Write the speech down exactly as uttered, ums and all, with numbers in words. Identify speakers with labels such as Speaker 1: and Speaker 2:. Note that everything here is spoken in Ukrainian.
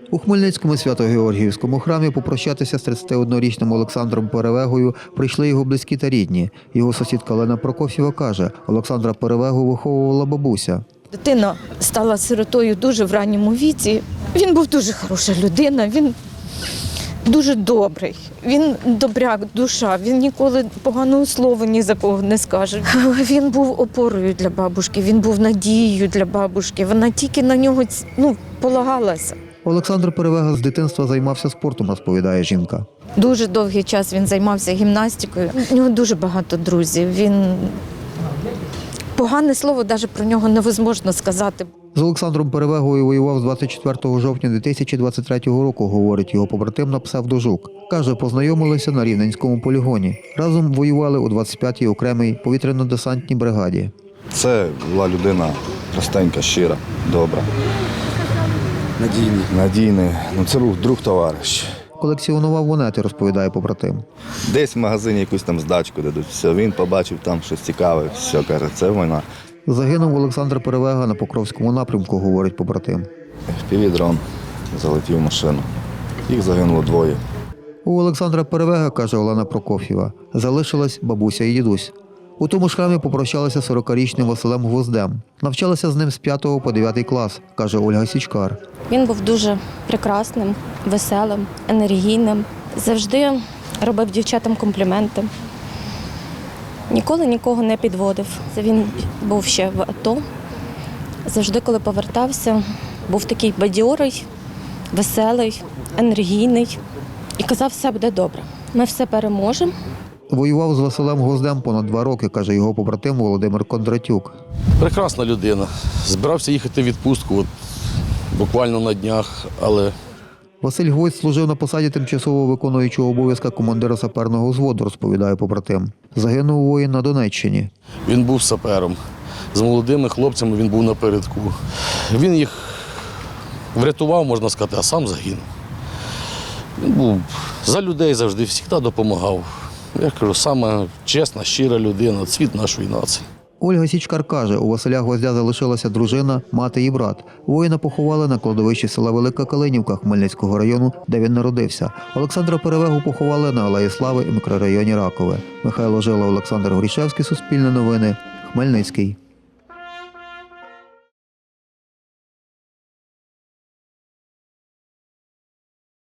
Speaker 1: У Хмельницькому Свято-Георгіївському храмі попрощатися з тридцятиоднорічним Олександром Перевегою прийшли його близькі та рідні. Його сусідка Олена Прокоф'єва каже, Олександра Перевегу виховувала бабуся.
Speaker 2: Дитина стала сиротою дуже в ранньому віці. Він був дуже хороша людина, він дуже добрий, він добряк, душа, він ніколи поганого слова ні за кого не скаже. Він був опорою для бабушки, він був надією для бабушки, вона тільки на нього ну, полагалася.
Speaker 1: Олександр Перевега з дитинства займався спортом, розповідає жінка.
Speaker 2: Дуже довгий час він займався гімнастикою, у нього дуже багато друзів, він... Погане слово навіть про нього невозможно сказати.
Speaker 1: З Олександром Перевегою воював з двадцять четвертого жовтня дві тисячі двадцять третього року, говорить його побратим на псевдо-Жук. Каже, познайомилися на Рівненському полігоні. Разом воювали у двадцять п'ятій окремій повітряно-десантній бригаді.
Speaker 3: Це була людина простенька, щира, добра.
Speaker 4: Надійний.
Speaker 3: Надійний. Ну, це був друг-товариш.
Speaker 1: Колекціонував монети, розповідає побратим.
Speaker 3: Десь в магазині якусь там здачку дадуть. Все, він побачив там щось цікаве, все, каже, це війна.
Speaker 1: Загинув Олександр Перевега на Покровському напрямку, говорить побратим.
Speaker 3: Півдрон залетів в машину. Їх загинуло двоє.
Speaker 1: У Олександра Перевега, каже Олена Прокоф'єва, залишилась бабуся і дідусь. У тому ж храмі попрощалися сорокарічним Василем Гвоздем. Навчалася з ним з п'ятого по дев'ятий клас, каже Ольга Січкар.
Speaker 5: Він був дуже прекрасним, веселим, енергійним. Завжди робив дівчатам компліменти. Ніколи нікого не підводив. Він був ще в АТО. Завжди, коли повертався, був такий бадьорий, веселий, енергійний. І казав, все буде добре. Ми все переможемо.
Speaker 1: Воював з Василем Гвоздем понад два роки, каже його побратим Володимир Кондратюк.
Speaker 4: Прекрасна людина. Збирався їхати в відпустку от, буквально на днях, але...
Speaker 1: Василь Гвоздь служив на посаді тимчасово виконуючого обов'язка командира саперного взводу, розповідає побратим. Загинув воїн на Донеччині.
Speaker 4: Він був сапером. З молодими хлопцями він був напередку. Він їх врятував, можна сказати, а сам загинув. Він був за людей завжди, завжди допомагав. Я кажу, саме чесна, щира людина, цвіт нашої нації.
Speaker 1: Ольга Січкар каже, у Василя Гвоздя залишилася дружина, мати і брат. Воїна поховали на кладовищі села Велика Калинівка Хмельницького району, де він народився. Олександра Перевегу поховали на Алеї Слави і мікрорайоні Ракове. Михайло Жила, Олександр Горішевський, Суспільне новини, Хмельницький.